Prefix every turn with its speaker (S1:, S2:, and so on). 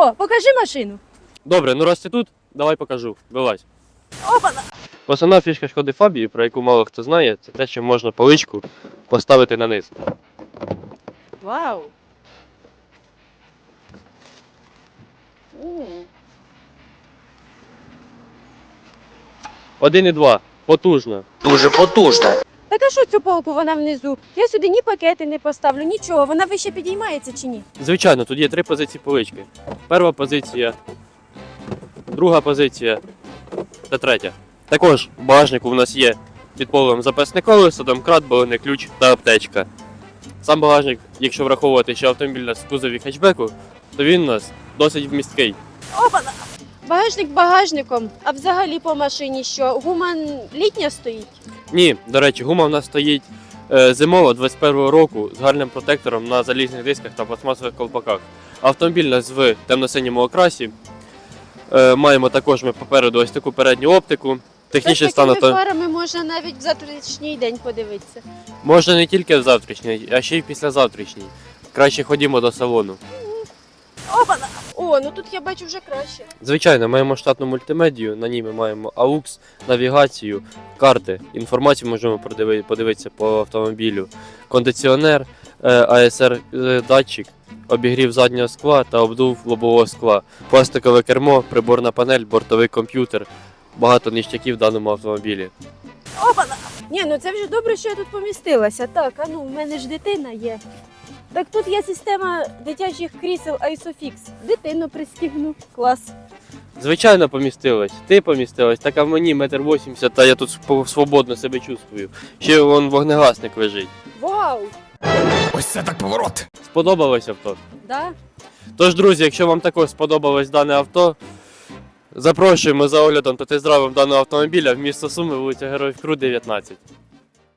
S1: О, покажи машину.
S2: Добре, ну раз ти тут, давай покажу. Вилазь.
S1: Опа!
S2: Основна фішка Шкоди Фабії, про яку мало хто знає, це те, що можна поличку поставити на низ.
S1: Вау!
S2: 1,2. Потужно.
S3: Дуже потужна.
S1: Так а що цю полку вона внизу? Я сюди ні пакети не поставлю, нічого. Вона вище підіймається чи ні?
S2: Звичайно, тут є 3 позиції полички. Перша позиція, друга позиція та третя. Також в багажнику в нас є під полем запасне колесо, домкрат, балонний ключ та аптечка. Сам багажник, якщо враховувати, що автомобіль у нас в кузові хетчбеку, то він у нас досить вмісткий.
S1: Опа! Багажник багажником, а взагалі по машині що? Гума літня стоїть?
S2: Ні, до речі, гума в нас стоїть зимова 21-го року з гарним протектором на залізних дисках та пластмасових колпаках. Автомобіль у нас в темно-синьому окрасі. Маємо також ми попереду ось таку передню оптику. Технічний
S1: З
S2: стан
S1: такими
S2: авто
S1: фарами можна навіть в завтрашній день подивитися.
S2: можна не тільки в завтрашній, а ще й післязавтрашній. Краще ходімо до салону.
S1: Опа! О, ну тут я бачу вже краще.
S2: Звичайно, маємо штатну мультимедію, на ній ми маємо AUX, навігацію, карти. Інформацію можемо подивитися по автомобілю. Кондиціонер, ASR датчик, обігрів заднього скла та обдув лобового скла. Пластикове кермо, приборна панель, бортовий комп'ютер. Багато ніштяків в даному автомобілі.
S1: Опа! Ні, ну це вже добре, що я тут помістилася. Так, а ну, в мене ж дитина є. Так тут є система дитячих крісел ISOFIX. Дитину пристігну. Клас.
S2: Звичайно, помістилась. Ти помістилась, так а в мені 1,80 м, та я тут свободно себе чувствую. Ще вон вогнегасник лежить.
S1: Вау!
S3: Ось це так поворот.
S2: Сподобалось авто?
S1: Да?
S2: Тож, друзі, якщо вам також сподобалось дане авто, запрошуємо за оглядом та тест-драйвом даного автомобіля в місто Суми, вулиця Героїв Крут, 19.